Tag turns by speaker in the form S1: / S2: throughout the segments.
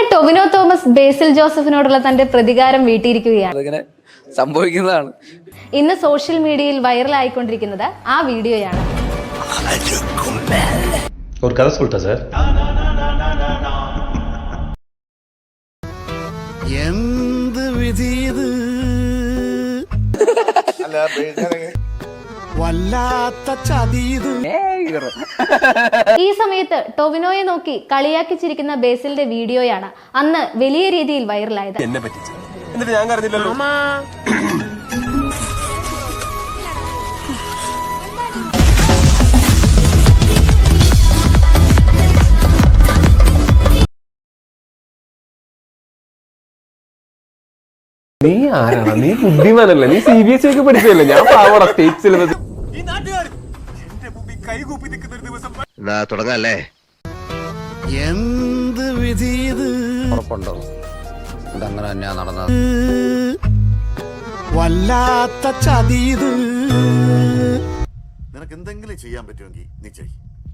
S1: Tovino Thomas ബേസിൽ ജോസഫിനോടുള്ള തന്റെ പ്രതികാരം വീട്ടിയിരിക്കുകയാണ്.
S2: സംഭവിക്കുന്നതാണ്.
S1: ഇന്ന് സോഷ്യൽ മീഡിയയിൽ വൈറൽ ആയിക്കൊണ്ടിരിക്കുന്നത് ആ വീഡിയോയാണ്. ഈ സമയത്ത് ടൊവിനോയെ നോക്കി കളിയാക്കി ചിരിക്കുന്ന ബേസിലിന്റെ വീഡിയോയാണ് അന്ന് വലിയ രീതിയിൽ വൈറലായത്.
S3: നീ ആരാണ്? നീ ബുദ്ധിമാനല്ല, നീ CBSE ഒക്കെ പഠിച്ചല്ലേ? ഞാൻ പാവട സ്റ്റേറ്റ് സിലബസ്.
S4: തുടങ്ങല്ലേ എന്ത് വിധി ഉറപ്പുണ്ടോ? ഇതങ്ങനെ തന്നെയാ നടന്നത്. വല്ലാത്ത ചതീത്. നിനക്ക് എന്തെങ്കിലും ചെയ്യാൻ പറ്റുമെങ്കിൽ നീ ചെയ്.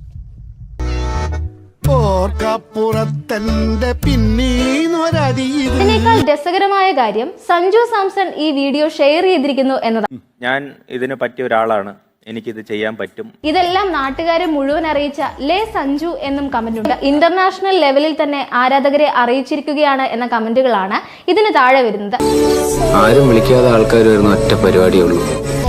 S1: ഇതിനേക്കാൾ രസകരമായ കാര്യം സഞ്ജു സാംസൺ ഈ വീഡിയോ ഷെയർ ചെയ്തിരിക്കുന്നു എന്നതാണ്.
S5: ഞാൻ ഇതിന് പറ്റിയ ഒരാളാണ്, എനിക്കിത് ചെയ്യാൻ പറ്റും.
S1: ഇതെല്ലാം നാട്ടുകാരെ മുഴുവൻ അറിയിച്ച ലേ സഞ്ജു എന്നും കമന്റ് ഉണ്ട്. ഇന്റർനാഷണൽ ലെവലിൽ തന്നെ ആരാധകരെ അറിയിച്ചിരിക്കുകയാണ് എന്ന കമന്റുകളാണ് ഇതിന് താഴെ വരുന്നത്.
S6: ആരും വിളിക്കാതെ ആൾക്കാർ വരുന്ന ഒറ്റ പരിപാടിയേ ഉള്ളൂ.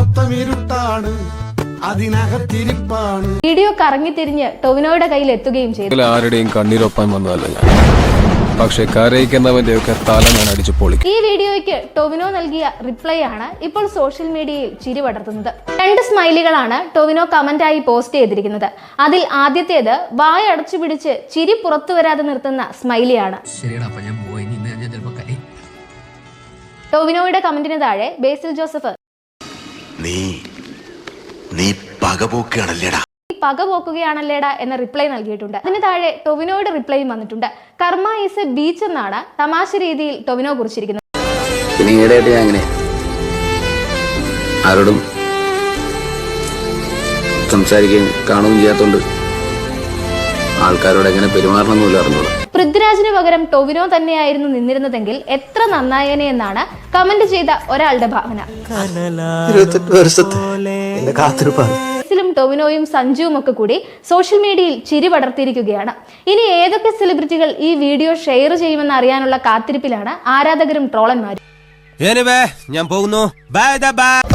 S1: വീഡിയോ കറങ്ങിത്തിരിഞ്ഞ് ടൊവിനോയുടെ കയ്യിൽ എത്തുകയും ചെയ്തു.
S3: ആരുടെയും കണ്ണീരൊപ്പാൻ വന്നതല്ല ഞാൻ, പക്ഷെ കരയിക്കുന്നവന്റെ ഒക്കെ തല ഞാൻ അടിച്ചു പൊളി.
S1: ഈ വീഡിയോയ്ക്ക് ടൊവിനോ നൽകിയ റിപ്ലൈ ആണ് ഇപ്പോൾ സോഷ്യൽ മീഡിയയിൽ ചിരി പടർത്തുന്നത്. 2 സ്മൈലികളാണ് ടൊവിനോ കമന്റായി പോസ്റ്റ് ചെയ്തിരിക്കുന്നത്. അതിൽ ആദ്യത്തേത് വായ അടച്ചു പിടിച്ച് ചിരി പുറത്തു വരാതെ നിർത്തുന്ന സ്മൈലിയാണ്. ടൊവിനോയുടെ കമന്റിന് താഴെ ബേസിൽ ജോസഫ് പകപോക്കുകയാണല്ലേടാ എന്ന റിപ്ലൈ നൽകിയിട്ടുണ്ട്. അതിന് താഴെ ടൊവിനോയുടെ റിപ്ലൈയും വന്നിട്ടുണ്ട്. കർമ്മ ഈസ് എ ബീച്ച് എന്നാണ് തമാശ രീതിയിൽ ടൊവിനോ കുറിച്ചിരിക്കുന്നത്.
S6: ആരോടും സംസാരിക്കുകയും കാണുകയും ചെയ്യാത്തോണ്ട് ആൾക്കാരോട് എങ്ങനെ പെരുമാറണമെന്നില്ല അറിഞ്ഞോളൂ.
S1: പൃഥ്വിരാജിന് പകരം ടൊവിനോ തന്നെയായിരുന്നു നിന്നിരുന്നതെങ്കിൽ എത്ര നന്നായേനെ എന്നാണ് കമന്റ് ചെയ്ത ഒരാളുടെ ഭാവന. ബേസിലും ടൊവിനോയും സഞ്ജുവും ഒക്കെ കൂടി സോഷ്യൽ മീഡിയയിൽ ചിരി പടർത്തിയിരിക്കുകയാണ്. ഇനി ഏതൊക്കെ സെലിബ്രിറ്റികൾ ഈ വീഡിയോ ഷെയർ ചെയ്യുമെന്ന് അറിയാനുള്ള കാത്തിരിപ്പിലാണ് ആരാധകരും ട്രോളന്മാരും.
S4: ഞാൻ പോകുന്നു. ബൈ.